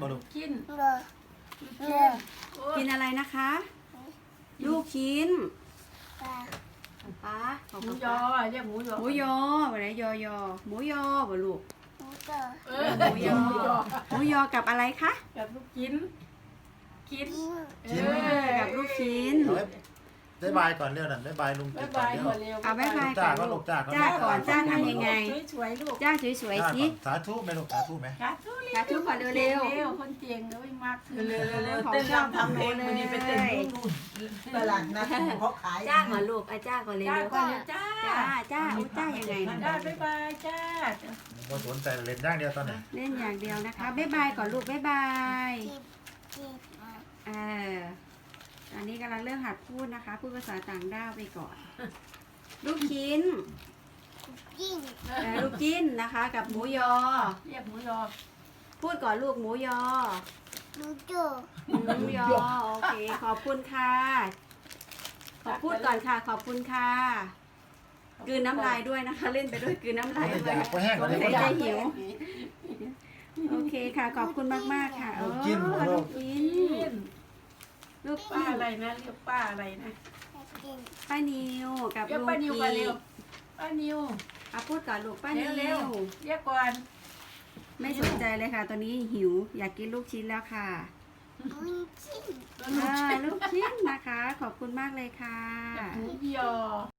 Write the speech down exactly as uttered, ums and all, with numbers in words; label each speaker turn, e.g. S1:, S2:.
S1: บ่ลูก
S2: กิน
S3: เลือ
S2: เลือ
S4: กินอะไรนะคะ ลูกชิ้น
S3: ปลา
S4: ป้าขอบ
S2: หมู
S4: คุณ
S2: ย
S4: ป้า
S2: อเรียกหมูยอ
S4: หมูยอวันไหนยอยอหมูยอบ่ลูก
S3: หมูเตอ
S2: เออ
S4: หมูยอหมูยอกับอะไรคะ
S2: กับลูกกินกิน
S3: กิน
S4: เออกับลูกชิ้น
S1: เอาไว้ได้บายก่อนเร็วนั่นได้บายลุง
S2: บ๊า
S1: กิ
S2: ย
S1: นก่อนเร็ว
S2: บายก่อนเร็ว
S4: เอาบ๊ายบาย
S1: จ้า
S4: ก่อน
S1: ก็ลู
S4: ลู
S1: ก
S4: ก
S1: จ้าก็
S4: จ้าก่อนจ้าทำยังไง
S2: สวยๆลูก
S4: จ้าสวย
S1: จ้า
S4: ๆ
S1: ก่
S4: สิ
S1: อนสาธุไหมลูกสาธุไหม
S2: สาธุ
S4: สาธุก่อนเร็วๆ
S2: เร็วคนเจียงเลยมากขึ้น
S4: เร็วๆของ
S5: เต้น
S4: ชอบ
S5: รำทำเพลงวันนี้ไปเต้นนู่นตลาดนัดเขาขาย
S4: จ้าก่อนลูกไอ้จ้าก่อนเร็
S2: จ้าว ก่อนเลยจ้า
S4: ๆจ้าจ้าอุ้ยจ้ายังไง
S2: จ้าบ๊ายบายจ้า
S1: บ่สนใจเล่นอย่างเดียวตอนนี้
S4: เล่นอย่างเดียวนะคะบ๊ายบายก่อนลูกบ๊ายบาย
S3: กินกินอ่ะ
S4: เออตอนนี้กำลังเริ่มหัดพูดนะคะ พูดภาษาต่างด้าวไปก่อน ลูกชิ้น
S3: กิน
S4: เออลูกจิ้นนะคะ กับหมูยอ
S2: เรียกหมูยอ
S4: พูดก่อนลูกหมูยอ
S3: หมูโจ้
S4: หมูยอโอเคขอบคุณค่ะขอพูดก่อนค่ะ ขอบคุณค่ะกลืนน้ำลายด้วยนะคะ เล่นไปด้วยกลืนน้ำลาย
S1: ไม่
S4: ด้
S1: ได้
S4: วย
S1: อยากไปแห้งกว่านี้
S4: ส
S1: ก็
S4: งสัย
S1: ได้
S4: จะหิว โอเคค่ะ ขอบคุณมากๆค่ะ
S1: ลูกจิ้น
S4: โอ้
S1: ลู
S4: ลู
S1: ก
S4: กจิ้
S2: กิ
S4: น
S2: น
S4: ลูก
S2: ป้า
S4: จิ้น
S2: อะไรนะเรียกป้าอะไรนะ
S3: กิน
S4: ป้านิวกับ
S2: เรียก
S4: ลุง
S2: ป้านิวก่อน
S4: กี
S2: เร็วป้านิว
S4: อ่ะพูดก่อนลูกป้านิ
S2: เร็ว
S4: ว
S2: ๆเรียกก่อน
S4: ไม่สนใจเลยค่ะ ตอนนี้หิว อยากกินลูกชิ้นแล้วค่ะ
S3: มันกิน
S4: อ่าลูกชิ้นนะคะ ขอบคุณมากเลยค่ะ
S2: หมูยอ